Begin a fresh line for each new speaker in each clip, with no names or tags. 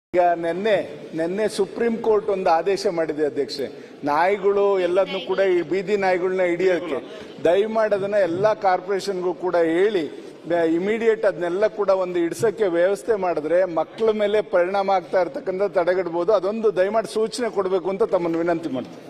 ಈಗ ನಿನ್ನೆ supreme court ಒಂದು ಆದೇಶ ಮಾಡಿದೆ ಅಧ್ಯಕ್ಷೆ, ನಾಯಿಗಳು ಎಲ್ಲದನ್ನು ಕೂಡ ಈ ಬೀದಿ ನಾಯಿಗಳನ್ನ ಹಿಡಿಯೋಕೆ ದಯಮಾಡಿ ಅದನ್ನ ಎಲ್ಲಾ ಕಾರ್ಪೊರೇಷನ್ಗೂ ಕೂಡ ಹೇಳಿ ಇಮಿಡಿಯೇಟ್ ಅದನ್ನೆಲ್ಲ ಕೂಡ ಒಂದು ಹಿಡ್ಸಕ್ಕೆ ವ್ಯವಸ್ಥೆ ಮಾಡಿದ್ರೆ ಮಕ್ಕಳ ಮೇಲೆ ಪರಿಣಾಮ ಆಗ್ತಾ ಇರ್ತಕ್ಕಂಥ ತಡೆಗಟ್ಟಬಹುದು. ಅದೊಂದು ದಯಮಾಡಿ ಸೂಚನೆ ಕೊಡಬೇಕು ಅಂತ ತಮ್ಮನ್ನು ವಿನಂತಿ ಮಾಡ್ತೀನಿ.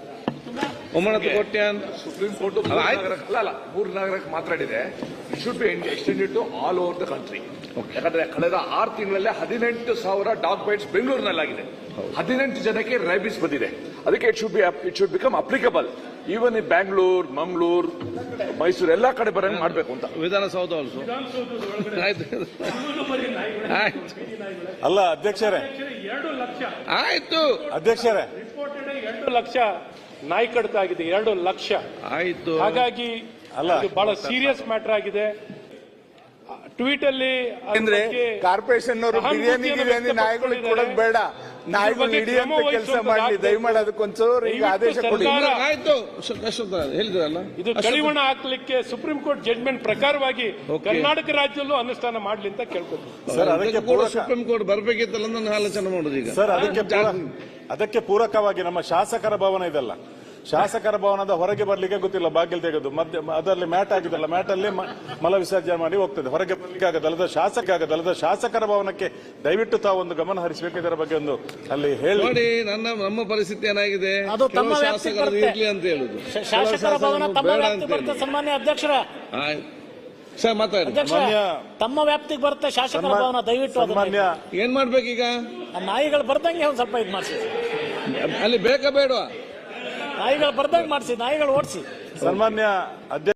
ಸುಪ್ರೀಂ ಕೋರ್ಟ್ ಮೂರು ನಗರಕ್ಕೆ ಮಾತಾಡಿದೆ. It should be extended to all over the country. ಯಾಕಂದ್ರೆ ಕಳೆದ 6 ತಿಂಗಳಲ್ಲಿ 18,000 ಡಾಗ್ ಬೈಟ್ಸ್ ಬೆಂಗಳೂರಿನಲ್ಲಾಗಿದೆ. 18 ಜನಕ್ಕೆ ರೈಬಿಸ್ ಬಂದಿದೆ. ಅದಕ್ಕೆ it should become applicable even in Bangalore, Mangaluru, Mysuru ಎಲ್ಲಾ ಕಡೆ ಬರಂಗ್ ಮಾಡಬೇಕು ಅಂತ.
ವಿಧಾನಸೌಧ
ಅಲ್ಲ ಅಧ್ಯಕ್ಷರೇ,
2 ಲಕ್ಷ
ಆಯ್ತು
ಅಧ್ಯಕ್ಷರೇ,
2 ಲಕ್ಷ ನಾಯಿ ಕಡಿತ ಆಗಿದೆ. 2 ಲಕ್ಷ
ಆಯ್ತು.
ಹಾಗಾಗಿ ಇದು ಬಹಳ ಸೀರಿಯಸ್ ಮ್ಯಾಟರ್ ಆಗಿದೆ. ಟ್ವೀಟ್ ಅಲ್ಲಿ
ಅಂದ್ರೆ ಕಾರ್ಪೊರೇಷನ್ ಅವರು ಬಿರಿಯಾನಿ ನಾಯಿಗಳಿಗೆ ಕೊಡೋದು ಬೇಡ, ನಾಯಿಗಳು ಹಿಡಿಯುವಂತ ಕೆಲಸ ಮಾಡಲಿ ದಯಮಾಡಿ. ಅದಕ್ಕೊಂಚೂರು ಈಗ ಆದೇಶ ಕೊಡಿ.
ಆಯ್ತು, ಹೇಳಿದ್ರಲ್ಲ,
ಇದು ಕಡಿವಾಣ ಹಾಕ್ಲಿಕ್ಕೆ ಸುಪ್ರೀಂ ಕೋರ್ಟ್ ಜಡ್ಜ್ಮೆಂಟ್ ಪ್ರಕಾರವಾಗಿ ಕರ್ನಾಟಕ ರಾಜ್ಯದಲ್ಲೂ ಅನುಷ್ಠಾನ ಮಾಡ್ಲಿ ಅಂತ ಕೇಳ್ಕೊತೀನಿ.
ಸರ್ ಅದಕ್ಕೆ
ಸುಪ್ರೀಂ ಕೋರ್ಟ್ ಬರಬೇಕಿತ್ತಲ್ಲ ನನ್ನ ಆಲೋಚನೆ ಮಾಡೋದು ಈಗ.
ಸರ್ ಅದಕ್ಕೆ ಪೂರಕವಾಗಿ ನಮ್ಮ ಶಾಸಕರ ಭವನ ಇದೆಲ್ಲ, ಶಾಸಕರ ಭವನದ ಹೊರಗೆ ಬರ್ಲಿಕ್ಕೆ ಗೊತ್ತಿಲ್ಲ, ಬಾಗಿಲು ತೆಗೆದು ಅದರಲ್ಲಿ ಮ್ಯಾಟ್ ಆಗಿದೆಲ್ಲ, ಮ್ಯಾಟ್ ಅಲ್ಲಿ ಮಲ ವಿಸರ್ಜನೆ ಮಾಡಿ ಹೋಗ್ತದೆ. ಹೊರಗೆ ಬರ್ಲಿಕ್ಕೆ ಆಗದಲ್ಲದ ಶಾಸಕರ ಭವನಕ್ಕೆ ದಯವಿಟ್ಟು ತಾವು ಒಂದು ಗಮನ ಹರಿಸಬೇಕು. ಇದರ ಬಗ್ಗೆ ಒಂದು ಅಲ್ಲಿ ಹೇಳಿ
ನೋಡಿ. ನಮ್ಮ ಪರಿಸ್ಥಿತಿ ಏನಾಗಿದೆ, ಶಾಸಕರು ಇರ್ಲಿ ಅಂತ ಹೇಳುದು,
ಶಾಸಕರ ಭವನ ತಮ್ಮ ವ್ಯಾಪ್ತಿಗೆ ಬರುತ್ತೆ. ಸನ್ಮಾನ್ಯ ಅಧ್ಯಕ್ಷರ,
ಸರ್ ಮಾತಾಡಿ.
ತಮ್ಮ ವ್ಯಾಪ್ತಿಗೆ ಬರುತ್ತೆ ಶಾಸಕರ ಭವನ. ದಯವಿಟ್ಟು
ಏನ್ ಮಾಡ್ಬೇಕೀಗ?
ನಾಯಿಗಳು ಬರ್ದಂಗೆ ಒಂದ್ ಸ್ವಲ್ಪ ಇದು ಮಾಡಿಸಿ.
ಅಲ್ಲಿ ಬೇಕಾ ಬೇಡವಾ?
ನಾಯಿಗಳು ಬರ್ದಂಗೆ ಮಾಡಿಸಿ, ನಾಯಿಗಳು ಓಡಿಸಿ.
ಸನ್ಮಾನ್ಯ ಅಧ್ಯಕ್ಷ